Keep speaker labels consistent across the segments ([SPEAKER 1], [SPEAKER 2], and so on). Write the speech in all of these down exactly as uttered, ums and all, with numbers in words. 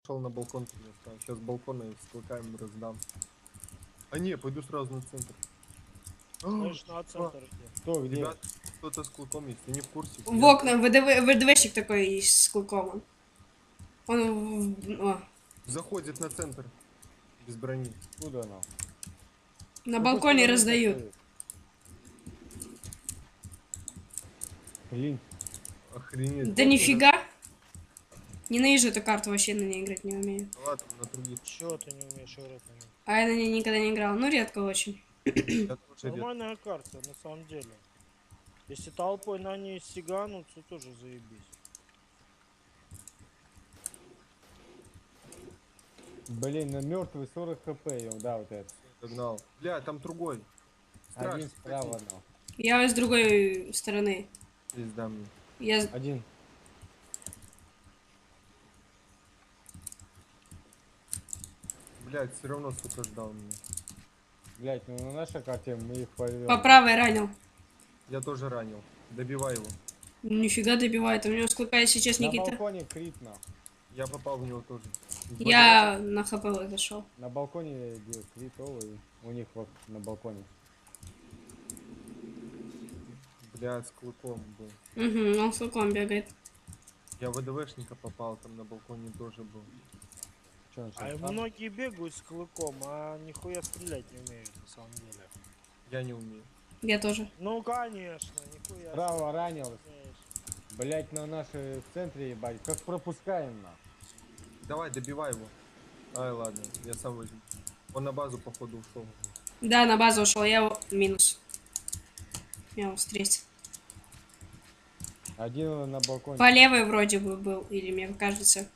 [SPEAKER 1] пошел на балкон. Сейчас с балкона с клыками раздам. А не, пойду сразу на центр.
[SPEAKER 2] Знаешь, на центр иди.
[SPEAKER 3] Кто, где?
[SPEAKER 1] Ребят, кто-то с клыком есть, ты не в курсе.
[SPEAKER 4] В
[SPEAKER 1] Я-
[SPEAKER 4] окна, ВДВ, ВДВщик такой есть с клыком. Он в- о,
[SPEAKER 1] Заходит на центр. Без брони.
[SPEAKER 3] Куда она?
[SPEAKER 4] на балконе раздают.
[SPEAKER 3] Блин,
[SPEAKER 1] Охренеть.
[SPEAKER 4] Да нифига. Ненавижу эту карту, вообще на ней играть не умею.
[SPEAKER 1] Ну ладно, на других.
[SPEAKER 2] Чего ты не умеешь играть на ней?
[SPEAKER 4] А я на ней никогда не играл. Ну, редко очень.
[SPEAKER 1] Я тоже редко.
[SPEAKER 2] Нормальная карта, на самом деле. Если толпой на ней сиганут, то тоже заебись.
[SPEAKER 3] блин, на мертвый сорок хп, ё, да, вот это.
[SPEAKER 1] Догнал. Бля, там другой. Страшно.
[SPEAKER 3] Один справа, но.
[SPEAKER 4] Я с другой стороны.
[SPEAKER 1] Пизда мне.
[SPEAKER 4] Я...
[SPEAKER 3] Один.
[SPEAKER 1] Блядь, все равно сука ждал меня.
[SPEAKER 3] Блять, ну на нашей карте мы их порвем.
[SPEAKER 4] По правой ранил.
[SPEAKER 1] Я тоже ранил. Добивай его.
[SPEAKER 4] Нифига добивает. У него сколько сейчас,
[SPEAKER 3] На
[SPEAKER 4] Никита?
[SPEAKER 3] балконе крит, на.
[SPEAKER 1] Я попал в него тоже.
[SPEAKER 4] Я на хп зашел.
[SPEAKER 3] На балконе бил критовый. У них вот на балконе.
[SPEAKER 1] Бля, с клыком был.
[SPEAKER 4] Угу, он с клыком бегает.
[SPEAKER 1] Я в ВДВшника попал, там на балконе тоже был.
[SPEAKER 3] Чё, он
[SPEAKER 2] А
[SPEAKER 3] сейчас
[SPEAKER 2] и
[SPEAKER 3] там?
[SPEAKER 2] многие бегают с клыком, а нихуя стрелять не умеют, на самом деле.
[SPEAKER 1] Я не умею.
[SPEAKER 4] Я тоже.
[SPEAKER 2] Ну, конечно, нихуя.
[SPEAKER 3] Право ранил.
[SPEAKER 2] умеешь.
[SPEAKER 3] Блять, на нашей центре, ебать. Как пропускаем, на.
[SPEAKER 1] Давай, добивай его. Ай, ладно, я сам возьму. Он на базу, походу, ушел.
[SPEAKER 4] Да, на базу ушел. Я его минус. Я его встретил.
[SPEAKER 3] Один на балконе.
[SPEAKER 4] По левой вроде бы был. Или мне кажется.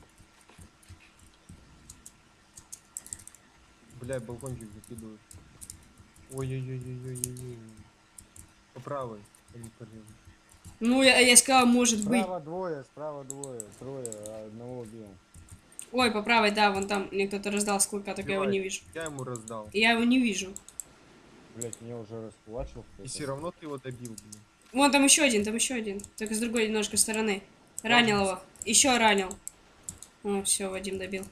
[SPEAKER 1] Бля, балкончик закидывают. Ой-ой-ой-ой-ой-ой. По правой, а не по левой.
[SPEAKER 4] Ну, я, я сказала, может быть.
[SPEAKER 3] Справа двое, справа двое. Трое, а одного убил.
[SPEAKER 4] Ой, по правой, да, вон там мне кто-то раздал с клыка, так я его
[SPEAKER 1] Убивай.
[SPEAKER 4] не вижу.
[SPEAKER 1] Я ему раздал.
[SPEAKER 4] Я его не вижу.
[SPEAKER 3] Блять, меня уже расплачил.
[SPEAKER 1] И все равно ты его добил, блин.
[SPEAKER 4] Вон там еще один, там еще один. Только с другой немножко стороны. Ранил его. Еще ранил. О, все, Вадим добил.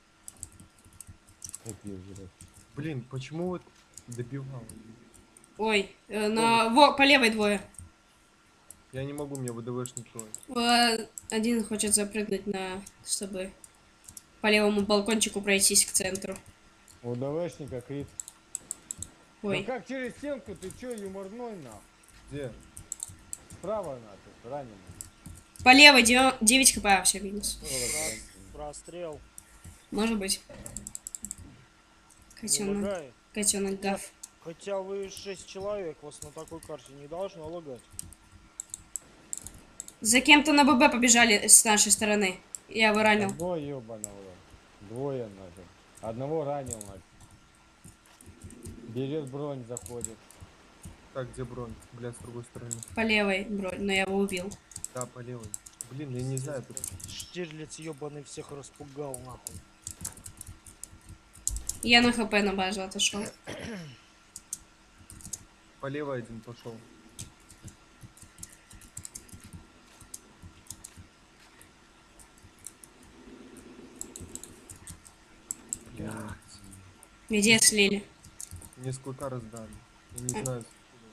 [SPEAKER 1] Блин, почему вот добивал?
[SPEAKER 4] Ой, э, на... Во, по левой двое.
[SPEAKER 1] Я не могу, мне ВДВшник трое.
[SPEAKER 4] Э, Один хочет запрыгнуть на... чтобы по левому балкончику пройтись к центру.
[SPEAKER 3] У ДВшника крит. Ну
[SPEAKER 4] Ой,
[SPEAKER 3] как через стенку? Ты чё, юморной, на?
[SPEAKER 1] Где?
[SPEAKER 3] Справа, на, ты раненый.
[SPEAKER 4] по левой девять хп, а, все, минус.
[SPEAKER 2] Про- Прострел.
[SPEAKER 4] Может быть.
[SPEAKER 2] Не
[SPEAKER 4] Котенок.
[SPEAKER 2] лагает.
[SPEAKER 4] Котенок гав.
[SPEAKER 2] Хотя вы шесть человек, вас на такой карте не должно лагать.
[SPEAKER 4] За кем-то на ББ побежали с нашей стороны. Я его ранил.
[SPEAKER 3] Одного ебаного. Двое, нафиг. Одного ранил, нафиг. Берет бронь, заходит.
[SPEAKER 1] Так, где бронь? Бля, с другой стороны.
[SPEAKER 4] По левой бронь, но я его убил.
[SPEAKER 1] Да, по левой. Блин, я не знаю, тут
[SPEAKER 2] Штирлиц ебаный всех распугал, нахуй.
[SPEAKER 4] Я на хп на базу отошел.
[SPEAKER 1] по левой один пошел. Блядь.
[SPEAKER 4] Где слили?
[SPEAKER 1] Мне с клыка раздали. Я не
[SPEAKER 4] А.
[SPEAKER 1] знаю.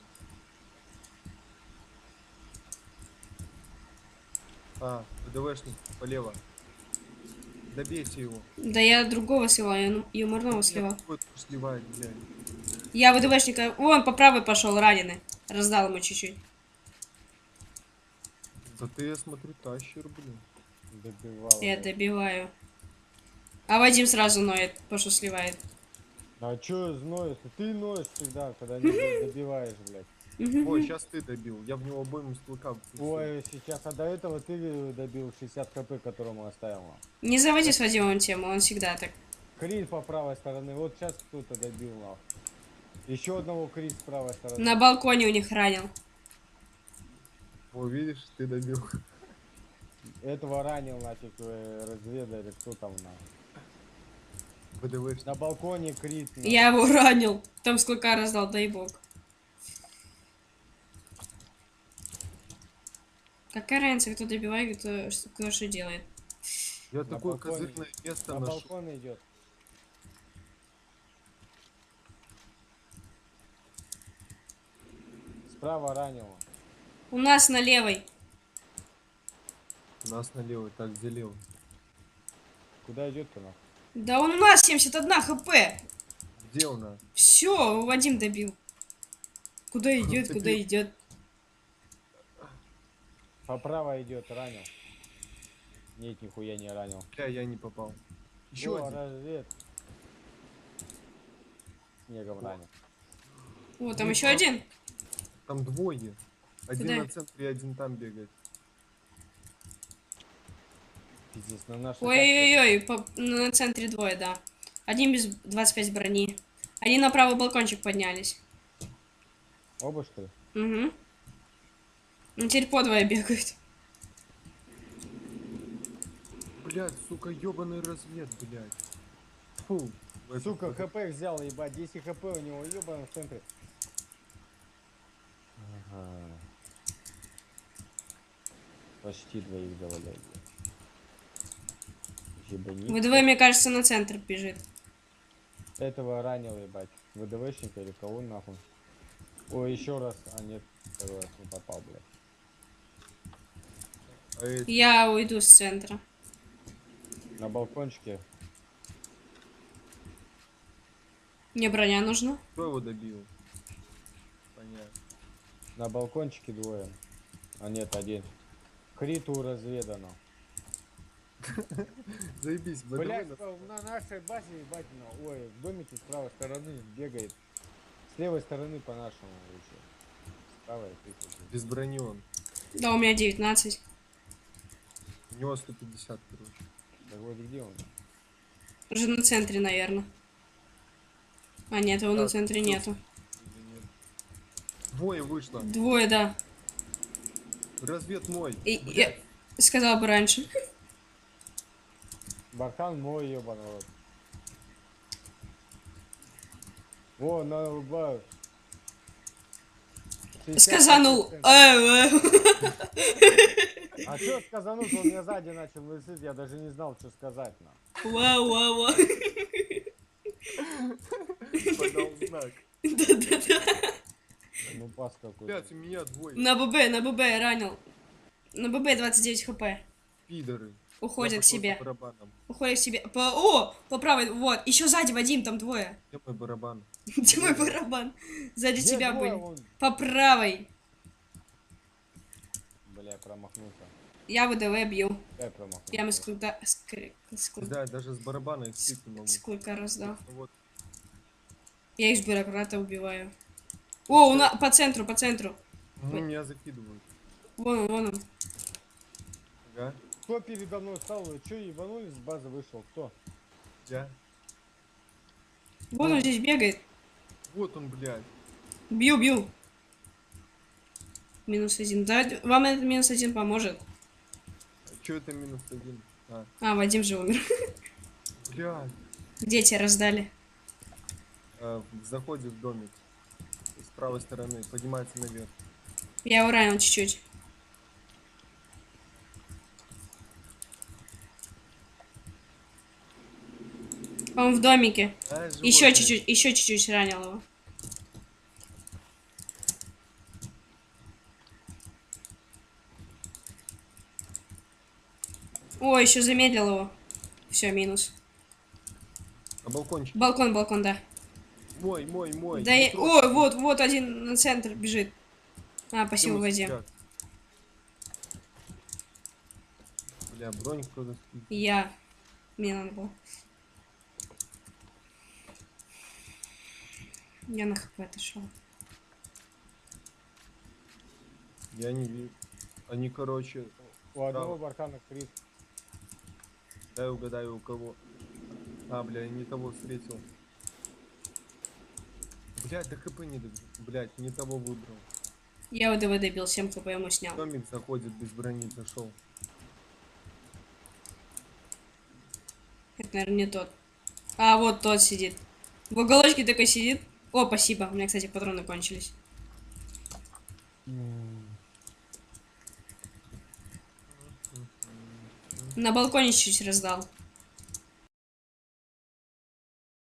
[SPEAKER 1] А, ВДВшник, полево. Добейте его.
[SPEAKER 4] Да я другого слила, я ну- юморного слила.
[SPEAKER 1] Вот сливает, блядь.
[SPEAKER 4] Я ВДВшника... Вон, по правой пошел, раненый. Раздал ему чуть-чуть.
[SPEAKER 1] Да ты, я смотрю, тащер, блин.
[SPEAKER 3] Добивал.
[SPEAKER 4] Я
[SPEAKER 3] блядь.
[SPEAKER 4] добиваю. А Вадим сразу ноет, потому что сливает.
[SPEAKER 3] А чё зноешь? Ты ноешь всегда, когда не добиваешь, блядь.
[SPEAKER 1] Ой, сейчас ты добил. Я в него обойму с клыка впустил.
[SPEAKER 3] Ой, сейчас, а до этого ты добил шестьдесят хп, которому оставил.
[SPEAKER 4] Не заводи с Вадимом тему, он всегда так.
[SPEAKER 3] Крит по правой стороны. Вот сейчас кто-то добил, нахуй. Еще одного крит с правой стороны.
[SPEAKER 4] На балконе у них ранил.
[SPEAKER 1] О, видишь, ты добил.
[SPEAKER 3] Этого ранил, нафиг, э, разведали, кто там, на.
[SPEAKER 1] ВДВшник.
[SPEAKER 3] На балконе крит. на.
[SPEAKER 4] Я его ранил. Там с клыка раздал, дай бог. Какая разница, кто добивает, кто, что, кто что делает.
[SPEAKER 1] Я
[SPEAKER 3] На
[SPEAKER 1] такое
[SPEAKER 3] балконе.
[SPEAKER 1] козырное место
[SPEAKER 3] На
[SPEAKER 1] нашел.
[SPEAKER 3] балкон идет. Справа ранило.
[SPEAKER 4] У нас на левой.
[SPEAKER 1] У нас налево, так, где лево?
[SPEAKER 3] Куда идет-то нахуй?
[SPEAKER 4] Да он у нас семьдесят один хп.
[SPEAKER 1] Где у нас?
[SPEAKER 4] Все, Вадим добил. Куда идет,
[SPEAKER 1] Добил.
[SPEAKER 4] куда идет?
[SPEAKER 3] Поправо идет, ранил. Нет, нихуя не ранил.
[SPEAKER 1] Бля, я не попал. Еще
[SPEAKER 3] О,
[SPEAKER 1] один.
[SPEAKER 3] развед. Снегом ранил.
[SPEAKER 4] О, там
[SPEAKER 1] Ну,
[SPEAKER 4] еще
[SPEAKER 1] а-
[SPEAKER 4] один.
[SPEAKER 1] Там двое. Один
[SPEAKER 4] Куда?
[SPEAKER 1] на центре, один там бегает.
[SPEAKER 3] Пиздец, на нашей
[SPEAKER 4] Ой-ой-ой, по- на центре двое, да. Один без двадцать пять брони. Они на правый балкончик поднялись.
[SPEAKER 3] карте- Оба, что ли?
[SPEAKER 4] Угу. Ну теперь по двое бегают.
[SPEAKER 1] Блядь, сука, ебаный развед, блядь. Фу. в этот
[SPEAKER 3] Сука,
[SPEAKER 1] вот-
[SPEAKER 3] хп взял, ебать. десять хп у него, ебаный в центре. Ага. Почти двоих заваляли. Ебани.
[SPEAKER 4] ВДВ, мне кажется, на центр бежит.
[SPEAKER 3] Этого ранил, ебать. ВДВшника или кого нахуй? Ой, еще раз. А нет, второй раз не попал, блядь.
[SPEAKER 1] А эти-
[SPEAKER 4] Я уйду с центра.
[SPEAKER 3] На балкончике.
[SPEAKER 4] Мне броня нужна.
[SPEAKER 1] Кто его добил? Понятно.
[SPEAKER 3] На балкончике двое. А нет, один. Криту разведано.
[SPEAKER 1] Заебись, ВДВ
[SPEAKER 3] Блять,
[SPEAKER 1] нас-
[SPEAKER 3] на нашей базе, ебать, на- ой, в домике с правой стороны бегает. С левой стороны по нашему лучше. С правой ты тут.
[SPEAKER 1] без брони он.
[SPEAKER 4] Да, у меня девятнадцать.
[SPEAKER 1] У него сто пятьдесят, короче.
[SPEAKER 3] Так вот где он?
[SPEAKER 4] Уже на центре, наверное. А, нет, его на
[SPEAKER 1] Так,
[SPEAKER 4] центре
[SPEAKER 1] всё.
[SPEAKER 4] нету.
[SPEAKER 1] Или нет? Двое вышло.
[SPEAKER 4] Двое, да.
[SPEAKER 1] Развед мой.
[SPEAKER 4] И,
[SPEAKER 1] Блядь.
[SPEAKER 4] я сказала бы раньше.
[SPEAKER 3] Бархан мой, ебаный рот. О, на угла.
[SPEAKER 4] Сказанул. Э, э.
[SPEAKER 3] А что сказануть? Он меня сзади начал лысить, я даже не знал, что сказать. На.
[SPEAKER 4] Вау, вау, вау.
[SPEAKER 1] Подал знак.
[SPEAKER 4] Да-да-да.
[SPEAKER 3] Ну пас какой-то.
[SPEAKER 1] Блядь, у меня двое.
[SPEAKER 4] На ББ, на ББ ранил. На ББ двадцать девять хп.
[SPEAKER 1] Пидоры. Я
[SPEAKER 4] Уходит к
[SPEAKER 1] пошел
[SPEAKER 4] себе.
[SPEAKER 1] по барабанам.
[SPEAKER 4] Уходит к себе. По... О, по правой, вот. Еще сзади, Вадим, там двое.
[SPEAKER 1] Где мой барабан?
[SPEAKER 4] Где мой барабан? Сзади
[SPEAKER 3] Где
[SPEAKER 4] тебя
[SPEAKER 3] двое?
[SPEAKER 4] были.
[SPEAKER 3] Вон.
[SPEAKER 4] По правой.
[SPEAKER 3] Бля, промахнулся.
[SPEAKER 4] Я ВДВ бью.
[SPEAKER 3] Я промахнулся.
[SPEAKER 4] Прямо с клыка... С, кр- с клы-
[SPEAKER 1] Да, даже с барабана их слить не могу.
[SPEAKER 4] с клыка раздал.
[SPEAKER 1] Ну Вот.
[SPEAKER 4] Я из бюрократа убиваю. О, у на... по центру, по центру.
[SPEAKER 1] Ну, меня закидывают.
[SPEAKER 4] Вон он, вон он.
[SPEAKER 1] Ага.
[SPEAKER 3] Кто передо мной стал? Вы что, ебанулись? С базы вышел? Кто?
[SPEAKER 1] Я.
[SPEAKER 4] Вон он здесь бегает.
[SPEAKER 1] Вот он, блядь.
[SPEAKER 4] Бью, бью. Минус один. Да, вам этот минус один поможет.
[SPEAKER 1] Че это минус один? А,
[SPEAKER 4] А, Вадим же умер.
[SPEAKER 1] блядь.
[SPEAKER 4] Дети раздали.
[SPEAKER 1] А, заходит в домик. С правой стороны. Поднимается наверх.
[SPEAKER 4] Я его ранил чуть-чуть. Он в домике.
[SPEAKER 1] А,
[SPEAKER 4] Еще
[SPEAKER 1] животное.
[SPEAKER 4] чуть-чуть, еще чуть-чуть ранил его. О, еще замедлил его. Все, минус.
[SPEAKER 1] На балкончик.
[SPEAKER 4] Балкон, балкон, да.
[SPEAKER 1] Мой, мой, мой.
[SPEAKER 4] Да
[SPEAKER 1] не
[SPEAKER 4] я...
[SPEAKER 1] трогай.
[SPEAKER 4] О, вот, вот один на центр бежит. А, спасибо,
[SPEAKER 1] Где мы
[SPEAKER 4] Вадим.
[SPEAKER 1] сейчас? Бля, бронь кто-то спит.
[SPEAKER 4] Я. Мне надо было. Я на хп отошел.
[SPEAKER 1] Я не вижу. Они, короче,
[SPEAKER 3] У одного
[SPEAKER 1] Справа.
[SPEAKER 3] бархана крит.
[SPEAKER 1] дай угадаю у кого. А, бля, я не того встретил. Блядь, да хп не добил. Блядь, не того выбрал.
[SPEAKER 4] Я ВДВ добил, семь хп ему снял.
[SPEAKER 1] Домик заходит без брони, зашел.
[SPEAKER 4] Это, наверное, не тот. А, вот тот сидит. В уголочке такой сидит. О, спасибо. У меня, кстати, патроны кончились. На балконе чуть-чуть раздал.